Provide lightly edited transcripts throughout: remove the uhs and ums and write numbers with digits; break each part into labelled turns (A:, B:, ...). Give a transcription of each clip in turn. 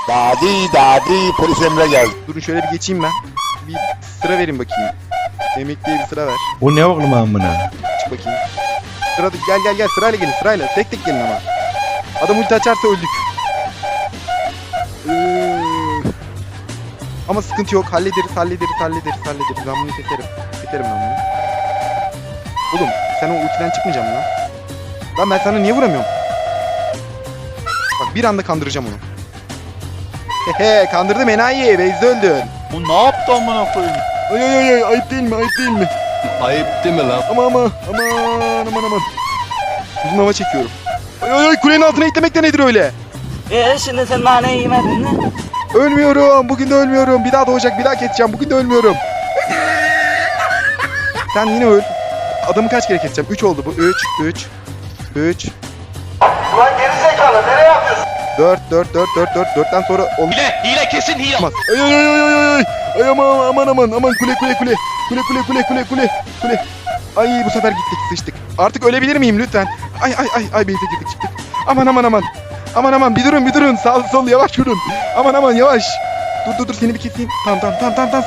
A: Dadi polis Emre geldi.
B: Durun şöyle bir geçeyim ben. Bir sıra verin bakayım. Emekliye bir sıra ver.
C: O ne oğlum amına?
B: Çık bakayım. Sırada gel sırayla gelin sırayla. Tek tek gelin ama. Adam ulti açarsa öldük. Ama sıkıntı yok. Hallederiz. Ben bunu keserim. Keserim ben bunu. Oğlum sen o ultiden çıkmayacaksın lan. Lan ben sana niye vuramıyorum? Bak bir anda kandıracağım onu. Hehe kandırdım enayi. Beyzde öldün.
A: Bu ne yaptı amına koyayım?
B: Ay ayıp değil mi?
A: Ayıp değil mi lan?
B: Aman. Uzun hava çekiyorum. Ay kulenin altına itlemek de nedir öyle?
D: Şimdi sen naneyi yemedin mi?
B: Ölmüyorum. Bugün de ölmüyorum. Bir daha doğacak. Bir daha keseceğim. Bugün de ölmüyorum. Sen yine öl. Adamı kaç kere keseceğim? 3 oldu bu. 3.
A: Ulan gerizekalı nereye yapıyorsun?
B: 4. 4'ten sonra olmaz.
A: Hile kesin hile.
B: Ay aman kule. Ay bu sefer gittik sıçtık. Artık ölebilir miyim lütfen? Ay beyze girdik çıktık. Aman bir durun sağ sol yavaş yürün. Aman yavaş. Dur seni bir keseyim. Tamam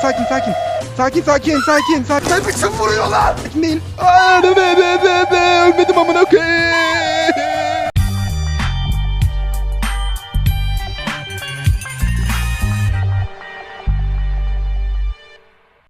B: sakin. Sen misin vuruyorlar? Sakin değil. Ölmedim amına koyayım.